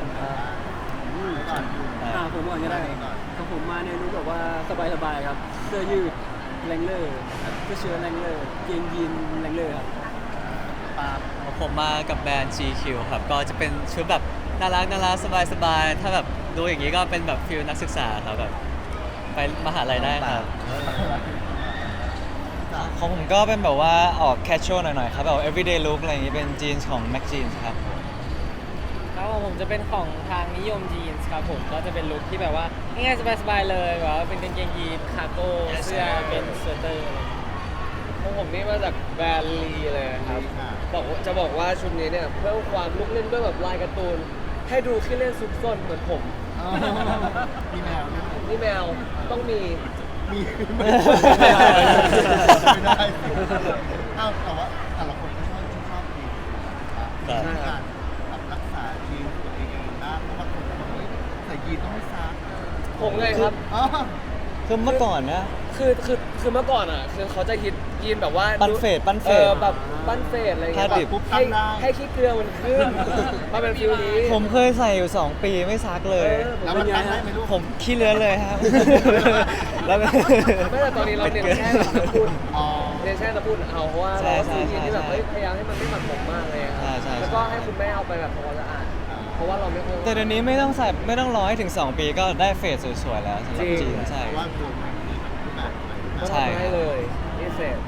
ก่อนผมก่อนก็ได้ครับผมมาในลุคแบบว่าสบายๆครับเสื้อยืดแรงเลอร์เสื้อเชิ้ตแรงเลอร์เกงยีนแรงเลอร์ครับปาผมมากับแบรนด์ GQ ครับก็จะเป็นชุดแบบน่ารักสบายๆถ้าแบบดูอย่างนี้ก็เป็นแบบฟิลนักศึกษาครับแบบไปมหาลัยได้ครับของผมก็เป็นแบบว่าออก casual หน่อยๆครับแบบ everyday look อะไรอย่างงี้เป็นจีนส์ของ Mac Jeans ครับครับผมจะเป็นของทางนิยมจีนส์ครับผมก็จะเป็นลุคที่แบบว่าง่ายๆสบายๆเลยแบบว่าเป็นกางเกงยีนคาร์โก้เสื้อเป็นสเวตเตอร์ของผมนี่มาจากแบรนด์ลีเลยครับบอกว่าชุดนี้เนี่ยเพิ่มความลุกเล่นด้วยแบบลายการ์ตูนให้ดูขี้เล่นซุกซนเหมือนผมมีแมวนี่แมวต้องมีมีไม่ได้เอ้าแต่ว่าแต่ละคนก็ชอบดีการรักษายีนตัวเองนะเพราะว่าคนบอกว่าใส่ยีนต้องไม่ซักผมเลยครับคือเมื่อก่อนนะคือเมื่อก่อนอ่ะคือเขาจะฮิตยีนแบบว่าปั้นเฟดแบบปั้นเฟดอะไรอย่างเงี้ยผ้าดิบให้ขี้เกลือมันขึ้นมาเป็นฟิลนี้ผมเคยใส่อยู่ 2 ปีไม่ซักเลยแล้วมันทำได้ไหมลูกผมขี้เลื้อนเลยครับ แล้วไม่แต่ตอนนี้เราเน้นแค่น้ำพุ่นอ๋อเน้นแค่น้ำพุ่นเอาเพราะว่าใช่เราใช่ซื้อยีนที่แบบใช่พยายามให้มันไม่หมักหมมมากเลยอะครับใช่แล้วก็ให้คุณแม่เอาไปแบบทำความสะอาดเพราะว่าเราไม่ค่อยแต่เดี๋ยวนี้ไม่ต้องรอให้ถึง 2 ปีก็ได้เฟสสวยๆแล้วสำหรับจีนใช่เพราะว่าตัวมันมีแบบก็ใช่ทำให้เลยนี่เสร็จ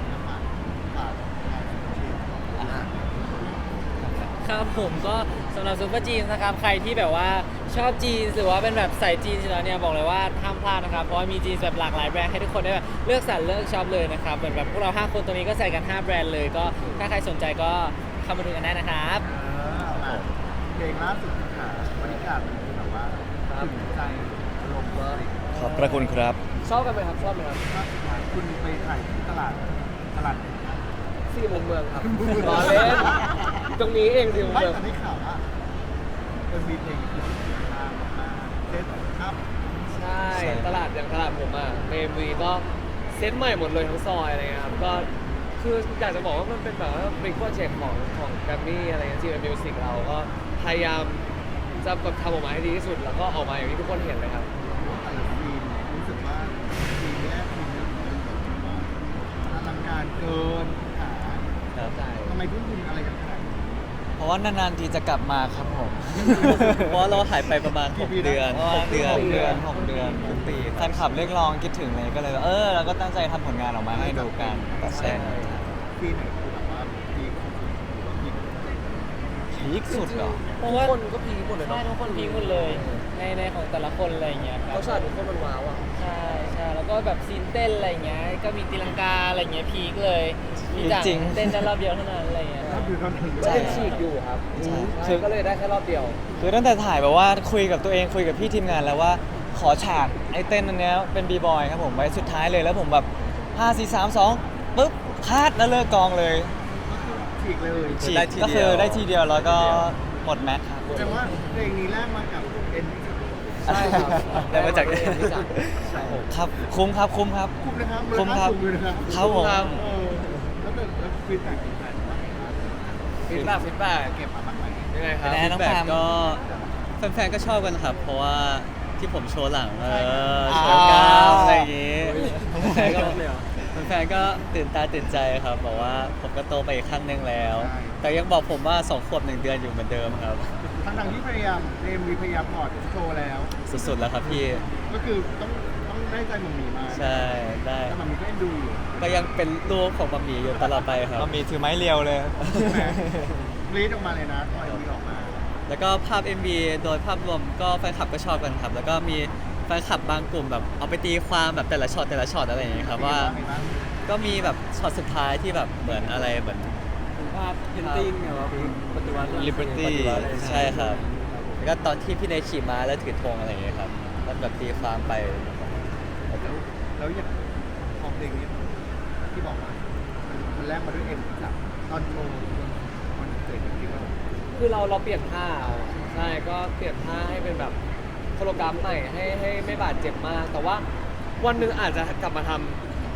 ครับผมก็สำหรับซูเปอร์จีนนะครับใครที่แบบว่าชอบจีนหรือว่าเป็นแบบใส่จีนอยู่แล้วเนี่ยบอกเลยว่าห้ามพลาดนะครับเพราะว่ามีจีนแบบหลากหลายแบรนด์ให้ทุกคนได้แบบเลือกสรรเลือกช็อปเลยนะครับเหมือนแบบพวกเรา5คนตัวนี้ก็ใส่กัน 5 แบรนด์เลยก็ถ้าใครสนใจก็เข้ามาดูกันได้นะครับเพลงล่าสุดค่ะบริการมันแบบว่าถึงใจอารมณ์เลยขอบพระคุณครับชอบกันไหมครับชอบไหมครับล่าสุดคุณไปถ่ายที่ตลาดสี่มุมเมืองครับรอเล่นตรงนี้เองสี่มุมไม่เมืองแต่ได้ข่าวว่ามันมีเพลงที่มาเซตครับใช่ตลาดอย่างตลาดผมอ่ะเมวีก็เซตใหม่หมดเลยทั้งซอยอะไรเงี้ยครับก็คืออยากจะบอกว่ามันเป็นแบบว่าเป็นโปรเจกต์ของแกรมมี่อะไรเงี้ยที่เป็นมิวสิกเราก็พยายามจะแบบทำออกมาให้ดีที่สุดแล้วก็ออกมาอย่างที่ทุกคนเห็นเลยครับแต่ละซีนรู้สึกว่าซีนแรกซีนนี้มันแบบอลังการเกินขาครับทำไมทุ่มทุนอะไรกันขนาดนี้เพราะว่านานๆทีจะกลับมาครับผมเพราะว่าเราหายไปประมาณ 6 เดือน 6 เดือน 6 เดือนทุกปีแฟนคลับเรียกร้องคิดถึงเลยก็เลยเราก็ตั้งใจทำผลงานออกมาให้ดูกันใช่ซีนไหนคือแบบว่าพีคพีคพีคสุดเหรอทุกคนก็พีคหมดเลยใช่เนาะทุกคนพีคหมดเลยในของแต่ละคนอะไรอย่างเงี้ยครัเขาบฉากทุกคนมันว้าวอ่ะใช่ใช่แล้วก็แบบซีนเต้นอะไรอย่างเงี้ยก็มีตีลังกาอะไรอย่างเงี้ยพีคเลยมีจากจริงเต้นได้รอบเดียวเท่านั้นอะไรอย่างเงี้ยก็คือเท่านั้นก็ยังฉีกอยู่ครับใช่ใช่ก็เลยได้แค่รอบเดียวคือตั้งแต่ถ่ายแบบว่าคุยกับตัวเองคุยกับพี่ทีมงานแล้วว่าขอฉากไอ้เต้นอันเนี้ยเป็นบีบอยครับผมไว้สุดท้ายเลยแล้วผมแบบ5 4 3 2ปุ๊บคาดแล้วเลิกกองเลยฉีกเลยฉีกได้ทีก็เดีคืยวอได้ทีเดียวแล้วก็หมดแม็กซ์ครับแต่ว่าเพลงนี้แรกมากับเอ็นใช่ครับได้มาจากที่จัดใช่ผมครับคุ้มครับคุ้มนะครับคุ้มครับคุ้มเลยนะครับครับผมแล้วฟีดแบ็กฟีดแบ็กว่าไงบ้างฟีดแบ็กเก็บมาบ้างไหมยังไงครับแน่น้องแบพาบมก็แฟนๆก็ชอบกันครับ เพราะว่าที่ผมโชว์หลังโชอ่าว์กล้ามอะไรอย่างงี้แฟนๆก็เลยเหรอแฟนๆก็ตื่นตาตื่นใจครับบอกว่าผมก็โตไปอีกขั้นหนึ่งแล้ว แต่ยังบอกผมว่า2 ขวบ 1 เดือนอยู่เหมือนเดิมครับทั้งที่พยายามเอ็มวีพยายามถอดโชว์แล้วสุดๆแล้วครับพี่ก็คือต้องได้ใจหมันมีมาใช่ได้แต่หมันมีก็เอ็นดูอยู่ก็ยังเป็นลูกของมัมมี่อยู่ตลอดไปครับเรามีถือไม้เรียวเลยรีดออกมาเลยนะตอนมีออกมาแล้วก็ภาพ MV โดยภาพรวมก็แฟนคลับก็ชอบกันครับ แล้วก็มีแฟนคลับบางกลุ่มแบบเอาไปตีความแบบแต่ละช็อตอะไรอย่างเงี้ยครับว่าก็มีแบบช็อตสุดท้ายที่แบบเหมือนอะไรเหมือนถึงภาพเพนติ้งเนี่ยว่าปฏิวัติ Liberty ใช่ครับ แล้วก็ตอนที่พี่เนยขี่ม้าแล้วถือธงอะไรอย่างเงี้ยครับมันแบบตีความไปแล้วอย่างของเพลงนี้ที่บอกว่ามันแรกมาด้วยเอ็มจากตอนโชว์มันเกิดจริงๆแล้วคือเราเปลี่ยนท่าเอาใช่ก็เปลี่ยนท่าให้เป็นแบบโคโรกราฟใหม่ให้ไม่บาดเจ็บมาก แต่ว่าวันหนึ่งอาจจะกลับมาทำ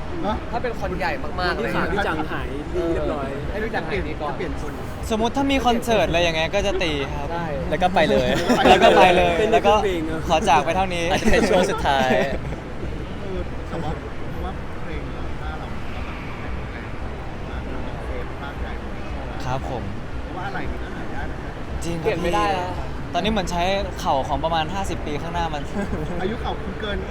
เนาะถ้าเป็นคอนใหญ่มากๆที่เลยขาพี่จังหายดีเรียบร้อยให้พี่จังหายดีก่อนจะเปลี่ยนคนสมมุติถ้ามีคอนเสิร์ตอะไรอย่างเงี้ยก็จะตีครับใช่แล้วก็ไปเลยแล้วก็ไปเลยเป็นแล้วก็เพลงอะขอจากไปเท่านี้อาจจะเป็นช่วงสุดท้ายแต่ว่าเพราะว่าเพลงเราหน้าเราแข็งแรงมากเซฟมากใหญ่ครับผมเพราะว่าอะไรมันก็หายากนะจริงคเปลี่รับยนไม่ได้แล้วตอนนี้เหมือนใช้เข่าของประมาณ 50 ปีข้างหน้ามันอายุเขาคุณเกิน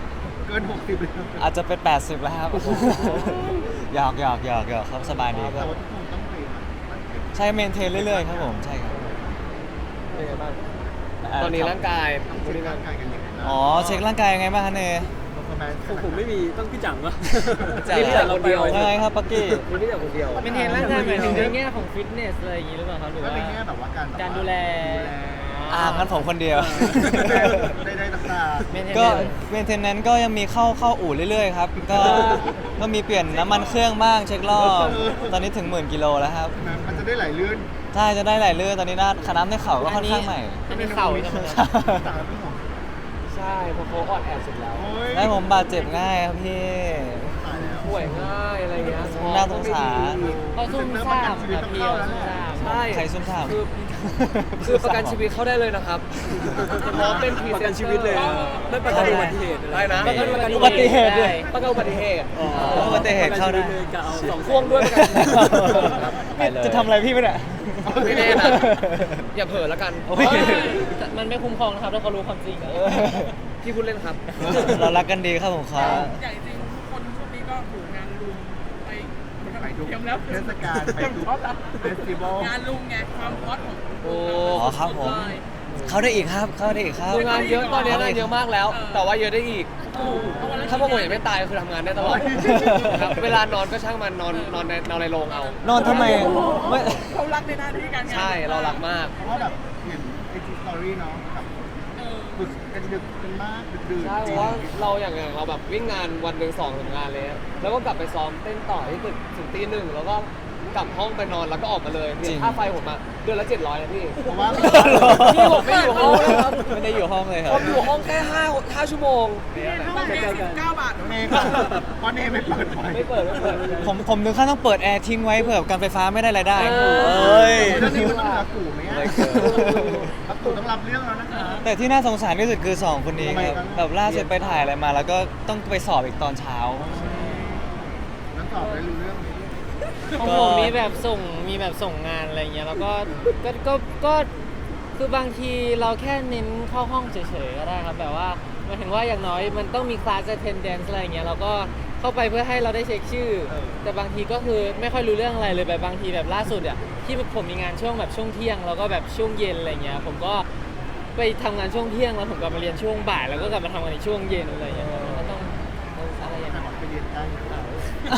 60เลยอาจจะเป็น 80 แล้วครับ หยอกครับสบายดีคแต่รับว่าทุกคนต้องเพลงมันเก็บใช่เมนเทนเรื่อยๆครับผมใช่ครับเป็นไงบ้างตอนนี้ร่างกายต้องเช็คร่างกายกันยังไงนะอ๋อเช็คร่างกายยังไงบ้างคะเนยของผมไม่มีต้องพี่จังวะจังนี่พี่จังคนเดียวยังไงครับปักกี้มีพี่แต่คนเดียวเป็นเทรนร่างกายหมายถึงในแง่ของฟิตเนสอะไรอย่างนี้หรือเปล่าครับหรือก็ว่าในแง่แบบว่าการการดูแลงั้นผมคนเดียวได้ต่างเมนเทนก็เนสเมนเทนแนนก็ยังมีเข้าอู่เรื่อยๆครับ ก็มีเปลี่ยนน้ำมันเครื่องบ้างเช็ครอบ ตอนนี้ถึง 10,000 กิโลแล้วครับๆมันจะได้ไหลลื่นใช่จะได้หลายเรื่อยตอนนี้ขาน้ำในเข่าก็ค่อนข้างใหม่อันนี้เข่าใช่ไหมครับต่างกันไม่หมดใช่เพราะเขาอ่อนแอสุดแล้วโอ้ยได้ผมบาดเจ็บง่ายครับพี่ตายแล้วป่วยง่ายอะไรเงี้ยน่าสงสารเขาซุ่มซ่ามครับพี่เขาซุ่มซ่ามใช่ใครซุ่มซ่ามคือประกันชีวิตเข้าได้เลยนะครับเพราะเป็นพรีประเซกันนเตอร์ชีวิตเลยอะไม่ประกันอุบัติเหตุได้นะประกันอุบัติเหตุด้วยประกันอุบัติเหตุอุบัติเหตุเข้าได้กะเอาสองพ่วงด้วยประกันไปเลยจะทำอะไรพี่ไม่ได้ไม่แน่นะอย่าเผลอแล้วกันโอ้ยมันไม่คุ้มครองนะครับถ้าเขารู้ความจริงอะพี่พูดเล่นครับเรารักกันดีครับผมครับใหญ่จริงคนช่วงนี้ก็ถูกงานลุมไปไปดูเตรียมแล้วเทศกาลไปดูเฟสติวัลงานลุมไงความฮอตของโอ้อ๋อครับผม เข้าได้อีกครับ เข้าได้อีกครับคืองานเยอะตอนนี้งานเยอะมากแล้ว แต่ว่าเยอะได้อีก ถ้าพวกผมยังไม่ตายคือทำงานได้ตลอดครับเวลานอนก็ช่างมันนอนในโรงเอานอนทำไมไม่เขารักในหน้าที่การงานใช่เรารักมากเพราะว่าแบบเห็นไอจีสตอรี่เนาะแบบฝึกกันดึกกันมากดึกๆใช่เพราะว่าเราอย่างเราแบบวิ่งงานวันหนึ่ง2 งานเลยแล้วก็กลับไปซ้อมเต้นต่อที่ตึกถึงตี 1แล้วก็กลับห้องไปนอนแล้วก็ออกมาเลยเนี่ยค่าไฟผมอะเดือนละ700นะพี่เพราะว่าพี่ผมไม่อยู่ห้องนะครับไม่ได้อยู่ห้องเลยครัผบมอยู่ห้องแค่5 ชั่วโมงต้องเปลี่ยน19 บาทเมย์ค่ะเพราะเนย์ไม่เปิดไฟไม่เปิดผมถึงขั้นต้องเปิดแอร์ทิ้งไว้เผื่อการไฟฟ้าไม่ได้รายได้เออเอ้ยแล้วนี่มันต้องรับกูไหมอ่ะไม่เกินรับกูต้องรับเรื่องแล้วนะคะแต่ที่น่าสงสารที่สุดคือ 2 คนนี้ทำไมครับครับแบบล่าสุดไปถ่ายอะไรมา แล้วก็ต้องไปสอบอีกตอนเช้าแล้วตอบได้รู้เรื่องไหมของผมมีแบบส่งงานอะไรเงี้ยแล้วก็คือบางทีเราแค่เน้นเข้าห้องเฉยๆก็ได้ครับแบบว่าหมายถึงว่าอย่างน้อยมันต้องมีคลาส attendance อะไรเงี้ยเราก็เข้าไปเพื่อให้เราได้เช็คชื่อ แต่บางทีก็คือไม่ค่อยรู้เรื่องอะไรเลยแบบบางทีแบบล่าสุดอ่ะที่ผมมีงานช่วงแบบช่วงเที่ยงแล้วก็แบบช่วงเย็นอะไรเงี้ยผมก็ไปทำงานช่วงเที่ยงแล้วผมกลับมาเรียนช่วงบ่ายแล้วก็กลับมาทำงานในช่วงเย็นอะไรเงี้ยมันก็ต้องอะไรอย่างแต่เงี้ยบอกไปเรียนได้หรือเปล่า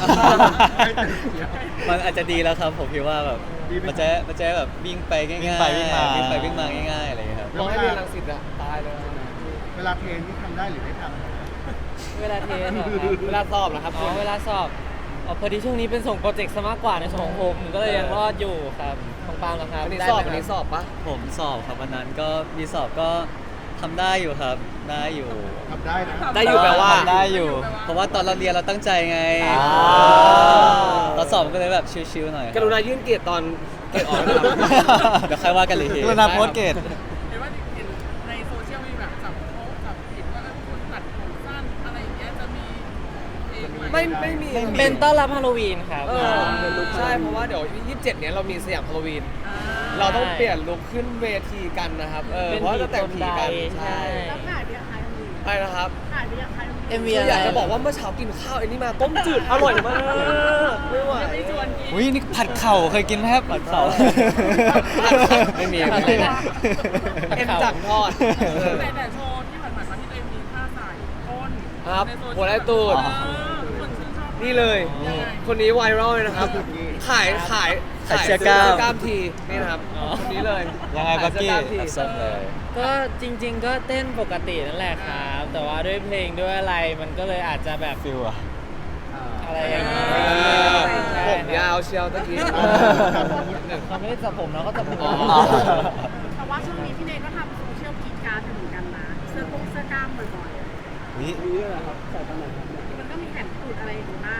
มันอาจจะดีแล้วครับผมคิดว่าแบบดีไหมมันจะแบบวิ่งไปง่ายๆวิ่งไปวิ่งมาวิ่งไปวิ่งมาง่ายๆอะไรอย่างเงี้ยครับมองให้เรียนรังสิตอะตายเลยเวลาเพลงที่ทำได้หรือไม่ทเวลาเทสเหรอครับเวลาสอบนะครับอ๋อเวลาสอบพอดีช่วงนี้เป็นส่งโปรเจกต์ซะมากกว่าในส่วนของผมก็เลยยังรอดอยู่ครับของปาล์มนะครับวันนี้ได้สอบไหมวันนี้คสรับอบปะผมสอบครับวันนั้นก็มีสอบก็ทำได้อยู่ครับได้อยู่ำทำได้นะได้อยู่แปลว่าทำได้อยู่เพราะว่าตอนเราเรียนเราตั้งใจไงอ่าตอนสอบมันก็เลยแบบชิลๆหน่อยกรุณายื่นเกียรติตอนเกียรติออกนะครับเดี๋ยวค่อยว่ากันเลยทีกรุณาโพสต์เกตเห็นว่าเห็นในโซเชียลมีแบบจับเขาจับผิดว่าคนตัดผมสั้นอะไรอย่างเงี้ยจะมีเพลงใหม่ไม่มีเป็นต้อนรับฮาโลวีนครับเออใช่เพราะว่าเดี๋ยว27เนี้ยเรามีสยามฮาโลวีน เราต้องเปลี่ยนลุคขึ้นเวทีกันนะครับเพราะว่าจะแต่งผีกันใช่แล้วถ่ายเบียร์ใครทำดีใช่นะครับถ่ายเบียร์ใครทำดีเอ็มวีคืออยากจะบอกว่าเมื่อเช้ากินข้าวไอ้นี่มาต้มจืดอร่อยมากไม่ไหวไม่ชวนกินอุ้ยนี่ผัดเข่าเคยกินไหมครับผัดเข่าไม่มีอะไรนะเอ็นจับทอดแต่โชว์ที่ผ่านๆมาที่ตัวเองมีท่าใส่ก้นครับในโซเชียลหัวไรตูดคนชื่นชอบนี่เลย คนนี้ไวรัลเลยนะครับ ขายขายเสื้อกล้ามกล้ามทีนี่นะครับคนนี้เลยยังไงขายเสื้อกล้ามทีส้มเลยก็จริง ๆ ก็เต้นปกตินั่นแหละครับ แต่ว่าด้วยเพลงด้วยอะไรมันก็เลยอาจจะแบบฟิลอะอะไรอย่างนี้ผมยาวเชียวตะกี้เขาไม่ได้จับผมนะเขาจับผมอ๋อแต่ว่าช่วงนี้พี่เนยก็ทำโซเชียลกรีดกรารเหมือนกันนะเสื้อกล้ามบ่อยวินี่แหละครับใส่ตอนไหนครับๆมันก็มีแผ่นตูดอะไรอยู่นะ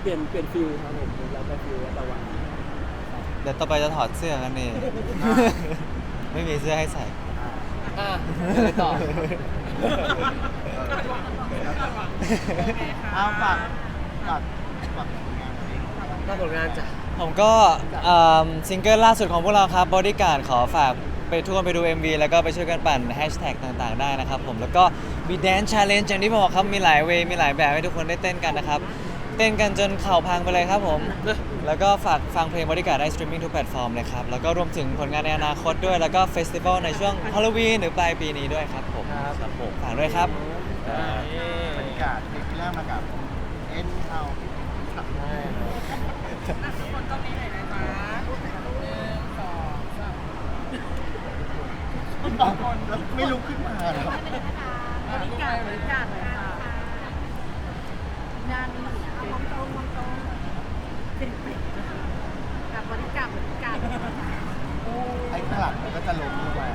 ปลี่ยนฟิลครับผมแล้วแต่ฟิลแล้วแต่วันเดี๋ยวต่อไปจะถอดเสื้อกันนี่ ไม่มีเสื้อให้ใส่อ่ะไปต่อเอาฝากผลงานนี้หน้าผลงานจ้ะผมก็ซิงเกิลล่าสุดของพวกเราครับ Bodyguard ขอฝากไปทุกคนไปดู MV แล้วก็ไปช่วยกันปั่นแฮชแท็กต่างๆ ได้นะครับผมแล้วก็มี Dance Challenge อย่างที่บอกครับ มีหลายเวย์มีหลายแบบให้ทุกคนได้เต้นกันนะครับ เต้นกันจนเข่าพังไปเลยครับผม แล้วก็ฝากฟังเพลง Bodyguard ได้สตรีมมิ่งทุกแพลตฟอร์มเลยครับ แล้วก็รวมถึงผลงานในอนาคตด้วย แล้วก็เฟสติวัลในช่วงฮาโลวีนหรือปลายปีนี้ด้วยครับผมครับผมฝากด้วยครับบรรยากาศเพลงที่แรกมากับเอ็นเอาขับได้ทุกคนต้องมีไหนนะคะ1 2 3 บางคนไม่ลุกขึ้นมาเหรอบริการเลยค่ะงานมองตรงกับบริการไอ้ข้างหลังมันก็จะล้มด้วย